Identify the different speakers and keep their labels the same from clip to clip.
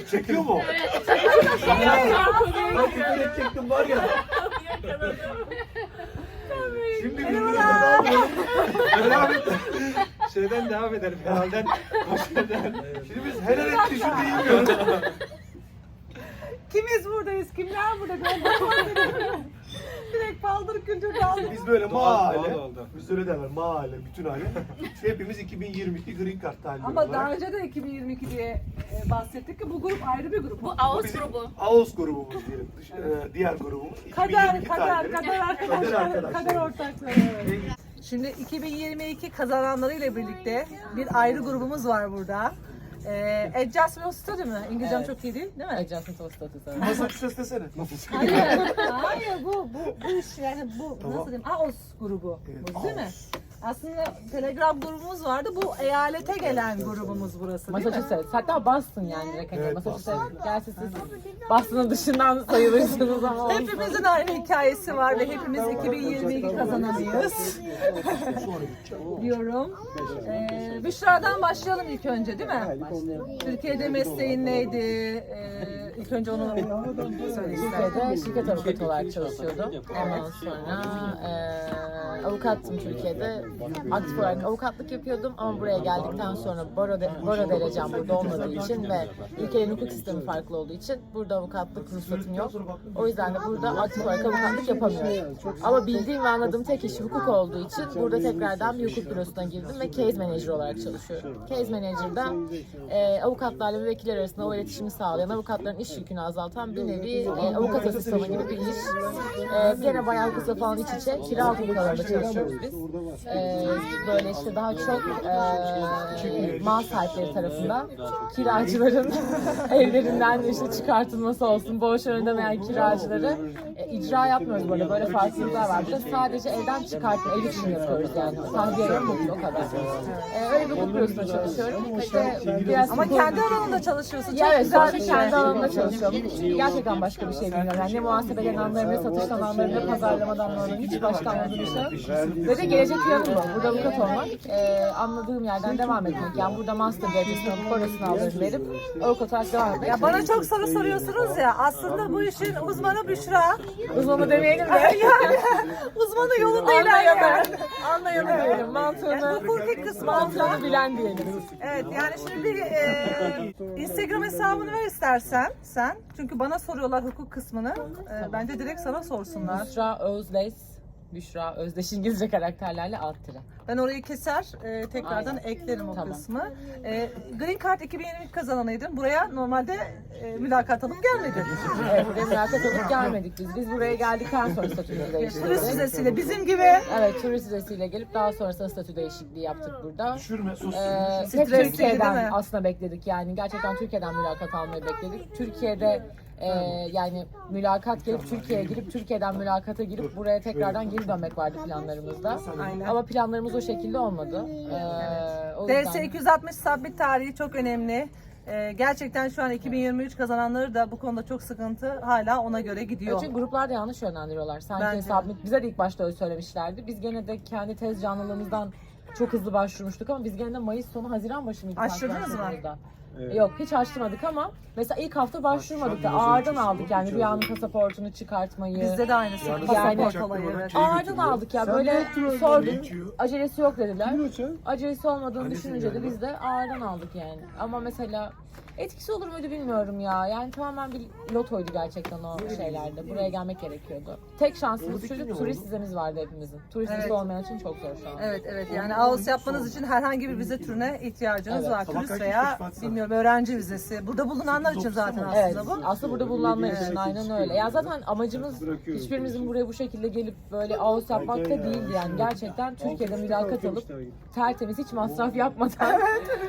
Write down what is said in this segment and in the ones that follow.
Speaker 1: Çekiyor mu?
Speaker 2: Evet.
Speaker 1: Ben küfür edecektim var ya. Şimdi devam edelim. Şeyden devam edelim. Herhalde başladan. Şimdi biz helal et düşün bilmiyoruz.
Speaker 3: Kimiz buradayız? Kimler burada? Direkt paldır küldür kaldık.
Speaker 1: Biz böyle mahalle,
Speaker 4: doğal oldu.
Speaker 1: biz öyle derler mahalle, bütün aile. Hepimiz 2022 Green Card talibi
Speaker 3: Ama
Speaker 1: olarak.
Speaker 3: daha önce de 2022 diye bahsettik ki bu grup ayrı bir grup.
Speaker 2: Bu Ağustos grubu.
Speaker 1: Ağustos grubumuz diyelim. Diğer grubumuz.
Speaker 3: Kader
Speaker 1: 2022 talibi.
Speaker 3: arkadaşlar, kader ortakları. Evet. Şimdi 2022 kazananlarıyla birlikte bir ayrı grubumuz var burada. Adjustment Study mi? İngilizcem çok iyi değil mi?
Speaker 5: Adjustment Study.
Speaker 1: Massachusetts desene.
Speaker 3: Hayır bu iş yani bu
Speaker 1: Tamam.
Speaker 3: nasıl diyeyim? AOS grubu.
Speaker 1: Evet,
Speaker 3: Bu değil mi? Aslında Telegram grubumuz vardı. Bu eyalete gelen grubumuz burası değil mi?
Speaker 5: Massachusetts. Hatta Boston yani direkt. Hani
Speaker 1: Evet,
Speaker 5: Massachusetts. Gerçi siz Boston'ın dışından sayılırsınız ama olsun.
Speaker 3: Hepimizin aynı hikayesi var ve hepimiz 2022 kazananıyız. Diyorum. Büşra'dan başlayalım ilk önce değil mi? Türkiye'de mesleğin neydi? İlk önce onu söyle istersen.
Speaker 5: Türkiye'de şirket avukatı olarak çalışıyordum. Ondan sonra avukattım Türkiye'de. Aktif olarak avukatlık yapıyordum ama buraya geldikten sonra baro derecem burada olmadığı için ve ülkenin hukuk sistemi farklı olduğu için burada avukatlık ruhsatım yok. O yüzden de burada aktif olarak avukatlık yapamıyorum. Ama bildiğim ve anladığım tek iş hukuk olduğu için burada tekrardan bir hukuk bürosuna girdim ve case manager olarak çalışıyorum. Case manager'da avukatlarla ve vekiller arasında o iletişimi sağlayan, avukatların iş yükünü azaltan bir nevi avukat asistanı gibi bir iş. Gene bayağı kısa falan iç içe kira hukukalarında çalışıyoruz biz. Böyle işte daha çok mal sahipleri tarafından kiracıların evlerinden işte çıkartılması olsun, borçlarını ödemeyen kiracıları icra yapmıyoruz böyle farklılıklar var. Burada sadece evden çıkartma, ev için yapıyoruz yani. Tahliye yapıyoruz o kadar. Öyle bir hukuk bürosunda çalışıyorum. İşte biraz
Speaker 3: Ama kendi alanında çalışıyorsun. Çok
Speaker 5: ya evet,
Speaker 3: güzel
Speaker 5: sadece
Speaker 3: bir şey.
Speaker 5: kendi alanımda çalışıyorum. Gerçekten başka bir şey bilmiyorum. Yani ne muhasebeden anlarım, ne satıştan anlarım, ne pazarlamadan anlarım. Hiç başka anladığım bir şey yok. Ve de gelecek planım bu. Burada avukat olmak, anladığım yerden devam etmek. Yani burada master derecesini alıp parasını alırım verip avukat olarak devam etmek.
Speaker 3: Ya bana çok soru soruyorsunuz ya. Aslında bu işin uzmanı Büşra.
Speaker 5: Uzmanı demeyelim de.
Speaker 3: Yani uzmanı yolunda ilerleyen.
Speaker 5: Anlayalım diyelim. Mantığını,
Speaker 3: Hukuki kısmı
Speaker 5: mantığını bilen diyelim.
Speaker 3: Evet yani şimdi bir Instagram hesabını ver istersen sen. Çünkü bana soruyorlar hukuk kısmını. Bence direkt sana sorsunlar.
Speaker 5: Büşra Özdeş. Büşra Özdeş İngilizce karakterlerle alt tire.
Speaker 3: Ben orayı keser, tekrardan
Speaker 5: Aynen.
Speaker 3: eklerim o
Speaker 5: Tamam.
Speaker 3: kısmı. Green Card 2022 kazananıydın. Buraya normalde mülakat alıp gelmedin.
Speaker 5: Evet, buraya mülakat alıp gelmedik biz. Biz buraya geldikten sonra statümüzü değiştirdik.
Speaker 3: Turist vizesiyle bizim gibi.
Speaker 5: Evet, turist vizesiyle gelip daha sonrasında statü değişikliği yaptık burada.
Speaker 1: Düşürme sos.
Speaker 5: Hep
Speaker 3: Stresli değil mi?
Speaker 5: Türkiye'den aslında bekledik yani. Gerçekten Türkiye'den mülakat almayı bekledik. Türkiye'de yani mülakat gelip Türkiye'ye girip Türkiye'den mülakata girip buraya tekrardan geri dönmek vardı planlarımızda.
Speaker 3: Aynen.
Speaker 5: Ama planlarımız o şekilde olmadı. O yüzden-
Speaker 3: DS 260 submit tarihi çok önemli. Gerçekten şu an 2023 kazananları da bu konuda çok sıkıntı hala ona göre gidiyor.
Speaker 5: Çünkü gruplar da yanlış yönlendiriyorlar. Sanki
Speaker 3: Bence de.
Speaker 5: submit, bize de ilk başta öyle söylemişlerdi. Biz gene de kendi tez canlılığımızdan çok hızlı başvurmuştuk ama biz gene de Mayıs sonu Haziran başı mıydı?
Speaker 3: Açtırdınız mı?
Speaker 5: başvurduğumuzda? Yok, hiç açtırmadık ama mesela ilk hafta başvurmadık da ağırdan aldık yani Rüya'nın pasaportunu çıkartmayı.
Speaker 3: Bizde de aynısı.
Speaker 5: Yani-
Speaker 3: Pasaport olayı. Evet.
Speaker 5: Ağırdan aldık ya böyle sorduk. Acelesi yok dediler. Acelesi olmadığını düşününce de biz de ağırdan aldık yani. Ama mesela etkisi olur muydu bilmiyorum ya. Yani tamamen bir lotoydu gerçekten o şeylerde. Buraya gelmek gerekiyordu. Tek şansımız şu, turist vizemiz vardı hepimizin. Turist vizesi olmayan için çok zor şu an.
Speaker 3: Evet yani AOS yapmanız için herhangi bir vize türüne ihtiyacınız
Speaker 5: Evet.
Speaker 3: var. Turist veya bilmiyorum öğrenci vizesi. Burada bulunanlar için zaten aslında
Speaker 5: Evet,
Speaker 3: bu.
Speaker 5: aslında burada bulunanlar için aynen öyle. Ya zaten amacımız hiçbirimizin buraya bu şekilde gelip böyle AOS yapmak da değildi yani. Gerçekten Türkiye'de mülakat alıp tertemiz hiç masraf yapmadan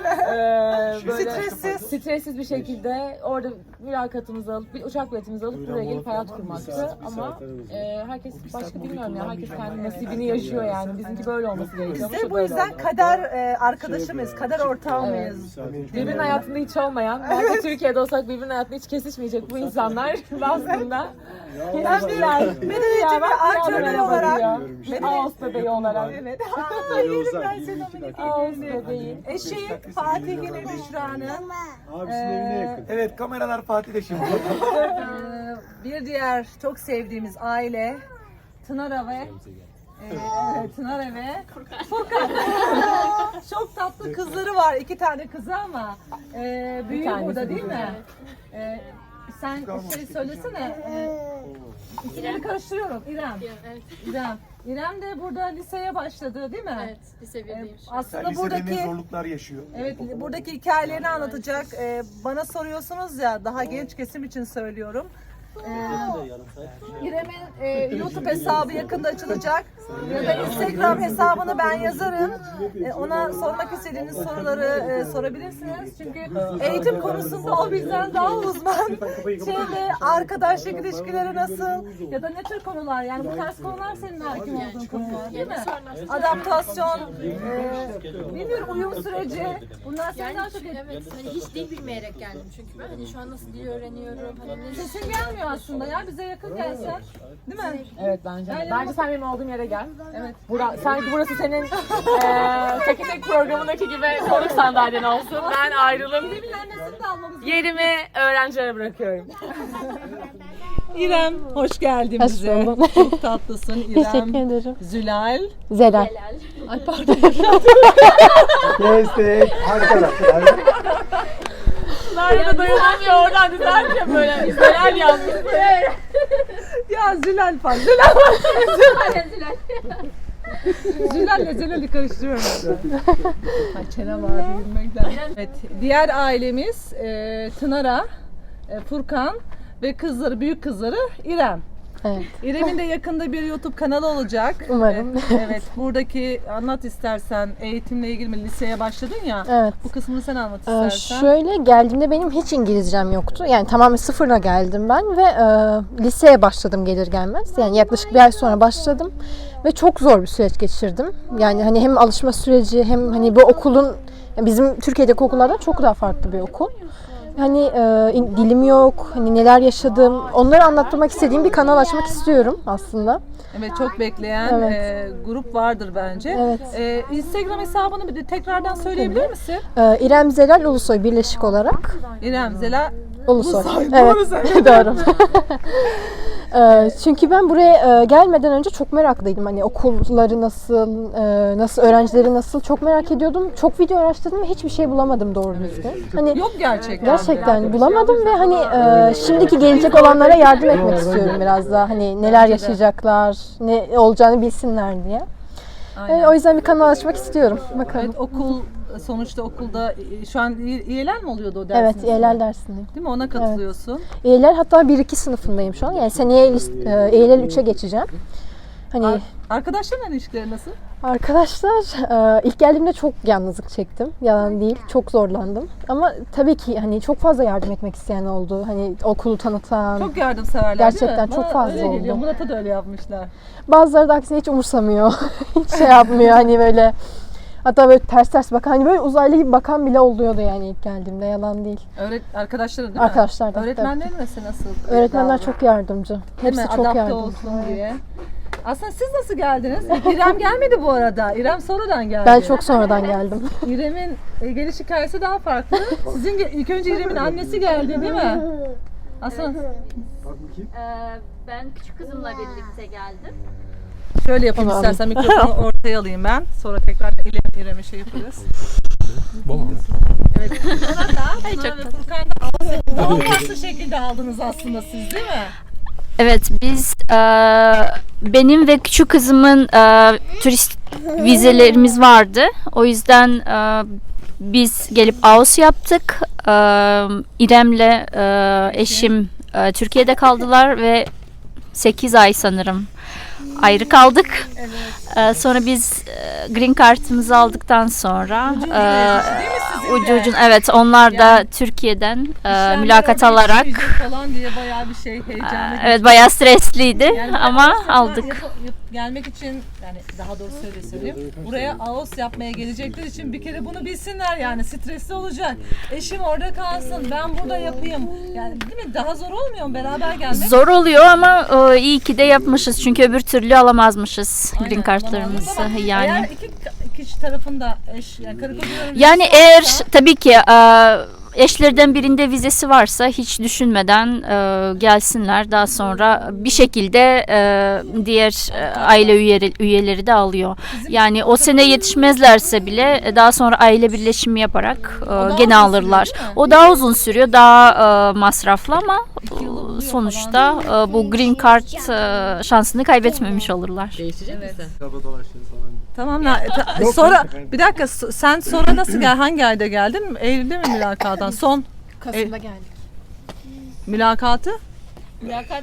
Speaker 5: böyle stressiz bir şekilde orada mülakatımızı alıp bir uçak biletimizi alıp buraya gelip hayat kurmaktı. Ama herkes başka bilmiyorum ya. Herkes kendi nasibini yaşıyor yani. Bizimki böyle olması gerekiyor.
Speaker 3: Biz de bu yüzden kader arkadaşımız, kader ortağı mıyız?
Speaker 5: Birbirinin hayatında hiç olmayan, belki Türkiye'de olsak birbirinin hayatında hiç kesişmeyecek bu insanlar aslında kesiştiler.
Speaker 3: Medeniyetin bir antrenörü olarak.
Speaker 5: Ağustos bebeği olarak.
Speaker 3: Evet.
Speaker 5: Ağustos bebeği.
Speaker 3: Eşi Fatih'in eşi. Büşra'nın.
Speaker 1: Abisinin evine yakın. Evet, kameralar Fatih'te şimdi.
Speaker 3: Bir diğer çok sevdiğimiz aile Tınara ve Tınara ve Furkan. Çok tatlı kızları var. 2 tane kızı ama büyüğü burada değil mi? Sen söylesene. İsimleri karıştırıyorum. İrem.
Speaker 2: Evet.
Speaker 3: İrem. İrem de burada liseye başladı değil mi?
Speaker 2: Evet, lise 1'deyim şu an.
Speaker 3: Aslında
Speaker 1: Lisede ne
Speaker 3: buradaki
Speaker 1: zorluklar yaşıyor.
Speaker 3: evet buradaki hikayelerini anlatacak. Bana soruyorsunuz ya, daha genç kesim için söylüyorum. İrem'in YouTube hesabı yakında açılacak. Ya da Instagram hesabını ben yazarım. Ona sormak istediğiniz soruları sorabilirsiniz. Çünkü eğitim konusunda o bizden daha uzman. Arkadaşlık ilişkileri nasıl ya da ne tür konular, yani bu tarz konular senin hakim olduğun konular değil mi? Adaptasyon, bilmiyorum, uyum süreci. Bunlar senin daha çok
Speaker 2: Evet, hani hiç dil bilmeyerek geldim çünkü ben hani şu an nasıl dil öğreniyorum, hani ne
Speaker 3: sesin gelmiyor aslında ya, bize yakın gelsen. Değil mi?
Speaker 5: Evet bence.
Speaker 3: Yani
Speaker 5: Bence sen benim olduğum yere gel.
Speaker 3: Evet.
Speaker 5: Sanki burası senin Teki Tek programındaki gibi konuk sandalyen olsun. Ben ayrılım.
Speaker 3: İrem'in annesini de almamız gerekiyor.
Speaker 5: Yerimi öğrencilere bırakıyorum.
Speaker 3: İrem, hoş geldin
Speaker 4: Hoş
Speaker 3: bize.
Speaker 4: buldum.
Speaker 3: Çok tatlısın İrem.
Speaker 4: Teşekkür ederim.
Speaker 3: Zülal.
Speaker 4: Zelal.
Speaker 3: Ay pardon.
Speaker 1: Destek. Arkadaşlar.
Speaker 5: Nerede de dayanamıyor oradan düzeltiyor böyle. Neler yazmış.
Speaker 3: Ya Zülal falan. Zülal'le Zelal'i karıştırıyorum. Ay çene var bilmekten. Evet, diğer ailemiz Tınara, Furkan ve kızları, büyük kızları İrem.
Speaker 4: Evet.
Speaker 3: İrem'in de yakında bir YouTube kanalı olacak.
Speaker 4: Umarım.
Speaker 3: Evet, buradaki anlat istersen, eğitimle ilgili mi, liseye başladın ya.
Speaker 4: Evet.
Speaker 3: Bu kısmını sen anlat istersen.
Speaker 4: Şöyle geldiğimde benim hiç İngilizcem yoktu. Yani tamamen sıfırla geldim ben ve liseye başladım gelir gelmez. Yani yaklaşık bir ay sonra başladım ve çok zor bir süreç geçirdim. Yani hani hem alışma süreci hem hani bu okulun, yani bizim Türkiye'deki okullardan çok daha farklı bir okul. Hani dilim yok, hani neler yaşadım, onları anlatmak istediğim bir kanal açmak istiyorum aslında.
Speaker 3: Evet, çok bekleyen grup vardır bence.
Speaker 4: Evet.
Speaker 3: Instagram hesabını bir de tekrardan söyleyebilir misin?
Speaker 4: İrem Zelal Ulusoy birleşik olarak.
Speaker 3: İrem Zela
Speaker 4: Ulusoy.
Speaker 3: Ulusoy,
Speaker 4: Evet.
Speaker 3: doğru söyledin.
Speaker 4: Doğru. Çünkü ben buraya gelmeden önce çok meraklıydım. Hani okulları nasıl öğrencileri nasıl çok merak ediyordum. Çok video araştırdım ve hiçbir şey bulamadım doğru düzgün. Hani
Speaker 3: Yok gerçekten.
Speaker 4: gerçekten bulamadım ve hani şimdiki gelecek olanlara yardım etmek istiyorum biraz daha. Hani neler yaşayacaklar, ne olacağını bilsinler diye.
Speaker 3: Aynen.
Speaker 4: O yüzden bir kanal açmak istiyorum. Bakalım.
Speaker 3: Evet, okul sonuçta okulda şu an İEL'ler mi oluyordu o dersin?
Speaker 4: Evet, EYLEL dersindeyim.
Speaker 3: Değil mi? Ona katılıyorsun.
Speaker 4: EYLEL hatta 1-2 sınıfındayım şu an. Yani seneye EYLEL 3'e geçeceğim. Hani
Speaker 3: Arkadaşlarla ilişkileri nasıl?
Speaker 4: arkadaşlar ilk geldiğimde çok yalnızlık çektim. Yalan değil. Çok zorlandım. Ama tabii ki hani çok fazla yardım etmek isteyen oldu. Hani okulu tanıtan.
Speaker 3: Çok yardımseverler
Speaker 4: Gerçekten
Speaker 3: değil mi?
Speaker 4: çok
Speaker 3: Bana
Speaker 4: fazla
Speaker 3: öyle geliyor.
Speaker 4: oldu.
Speaker 3: Murat'a da öyle yapmışlar.
Speaker 4: Bazıları da aksine hiç umursamıyor. Hiç şey yapmıyor. Hani böyle hatta böyle ters bakan, hani böyle uzaylı gibi bakan bile oluyordu yani ilk geldiğimde. Yalan değil.
Speaker 3: Arkadaşların değil mi?
Speaker 4: Arkadaşlar da.
Speaker 3: Öğretmenlerin mesela nasıl?
Speaker 4: Öğretmenler çok yardımcı.
Speaker 3: Değil
Speaker 4: Hepsi
Speaker 3: mi?
Speaker 4: çok
Speaker 3: Adapte
Speaker 4: yardımcı.
Speaker 3: olsun diye. Aslında siz nasıl geldiniz? İrem gelmedi bu arada. İrem sonradan geldi.
Speaker 4: Ben çok sonradan geldim.
Speaker 3: İrem'in geliş hikayesi daha farklı. Sizin ilk önce İrem'in annesi geldi değil mi? Aslında
Speaker 6: Ben küçük kızımla birlikte geldim.
Speaker 3: şöyle yapayım
Speaker 4: Tamam.
Speaker 3: istersen, mikrofonu ortaya alayım ben. Sonra tekrar İrem'e şey yaparız. Evet. Sonra da Furkan'da nasıl şekilde aldınız aslında siz değil mi?
Speaker 6: Evet, biz benim ve küçük kızımın turist vizelerimiz vardı. O yüzden biz gelip AOS yaptık. İrem'le eşim Türkiye'de kaldılar ve 8 ay sanırım ayrı kaldık. Sonra biz green card'ımızı aldıktan sonra ucu evet, onlar da Türkiye'den mülakat alarak
Speaker 3: falan diye bayağı bir şey heyecanlı.
Speaker 6: evet, bayağı stresliydi
Speaker 3: Yani
Speaker 6: ama
Speaker 3: AOS'a
Speaker 6: aldık.
Speaker 3: Gelmek için, yani daha doğrusu öyle söyleyeyim. Buraya AOS yapmaya gelecekler için bir kere bunu bilsinler, yani stresli olacak. Eşim orada kalsın, ben burada yapayım. Yani değil mi? Daha zor olmuyor mu beraber gelmek?
Speaker 6: Zor oluyor ama iyi ki de yapmışız çünkü öbür türlü alamazmışız green card'larımızı
Speaker 3: Eğer
Speaker 6: yani.
Speaker 3: iki kişi tarafında yani karı kocaların
Speaker 6: Yani
Speaker 3: vizesi
Speaker 6: eğer
Speaker 3: varsa-
Speaker 6: tabii ki eşlerden birinde vizesi varsa hiç düşünmeden gelsinler. Daha sonra bir şekilde diğer aile üyeleri de alıyor. Yani o sene yetişmezlerse bile daha sonra aile birleşimi yaparak
Speaker 3: daha
Speaker 6: gene
Speaker 3: uzun
Speaker 6: alırlar.
Speaker 3: sürüyor, değil mi?
Speaker 6: O daha uzun sürüyor, daha masraflı ama sonuçta bu green card şansını kaybetmemiş olurlar.
Speaker 5: Değişecek misin?
Speaker 3: Tamam sonra bir dakika sen sonra nasıl hangi ayda geldin? Eylül'de mi mülakattan? Son
Speaker 2: Kasım'da geldik.
Speaker 3: mülakatı?
Speaker 6: Mülakat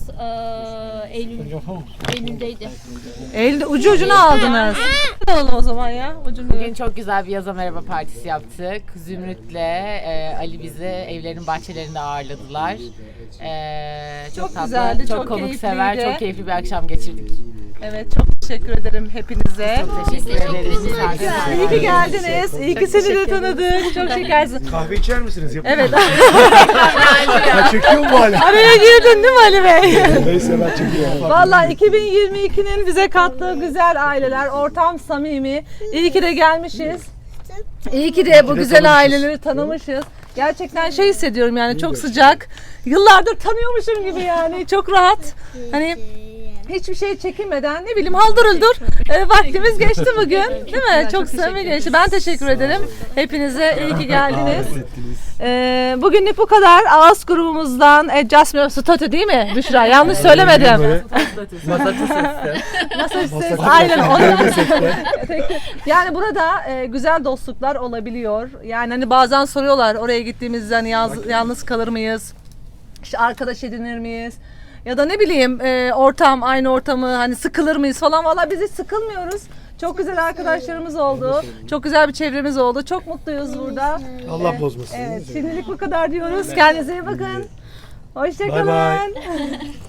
Speaker 6: Eylül'deydi.
Speaker 3: Eylül'de ucuna aldınız. Ne oldu o zaman ya? Ucunu.
Speaker 5: Bugün çok güzel bir yaza merhaba partisi yaptık. Zümrüt'le Ali bizi evlerin bahçelerinde ağırladılar. Çok tatlı,
Speaker 3: güzeldi,
Speaker 5: çok
Speaker 3: çok
Speaker 5: konuksever,
Speaker 3: keyifliydi.
Speaker 5: çok keyifli bir akşam geçirdik.
Speaker 3: Evet çok teşekkür ederim hepinize.
Speaker 5: Çok teşekkür ederiz.
Speaker 3: İyi ki geldiniz. İyi ki seni de tanıdık. Çok şekersin.
Speaker 1: Kahve içer misiniz?
Speaker 3: Evet.
Speaker 1: Ha, çekiyor mu hala?
Speaker 3: Araya girdin değil mi Ali Bey?
Speaker 1: Neyse ben çekiyorum.
Speaker 3: Vallahi 2022'nin bize kattığı güzel aileler, ortam samimi. İyi ki de gelmişiz. İyi ki de bu güzel aileleri tanımışız. Gerçekten şey hissediyorum yani çok sıcak. Yıllardır tanıyormuşum gibi yani çok rahat. Hani hiçbir şey çekinmeden ne bileyim haldır uldur vaktimiz geçti bugün değil mi? Çok samimi geçti. Ben teşekkür ederim. Hepinize iyi ki geldiniz. Bugünlük bu kadar. Ağız grubumuzdan Jasmine Statü değil mi Büşra? Yanlış söylemedim. Masaj aynen onu. Yani burada güzel dostluklar olabiliyor. Yani hani bazen soruyorlar oraya gittiğimizde hani yalnız kalır mıyız? İşte arkadaş edinir miyiz? Ya da ne bileyim ortam aynı ortamı hani sıkılır mıyız falan. Vallahi biz hiç sıkılmıyoruz. Çok güzel arkadaşlarımız oldu. Çok güzel bir çevremiz oldu. Çok mutluyuz burada.
Speaker 1: Allah bozmasın.
Speaker 3: Evet, şimdilik bu kadar diyoruz. Kendinize iyi bakın. Hoşça
Speaker 1: Bay bay.
Speaker 3: kalın.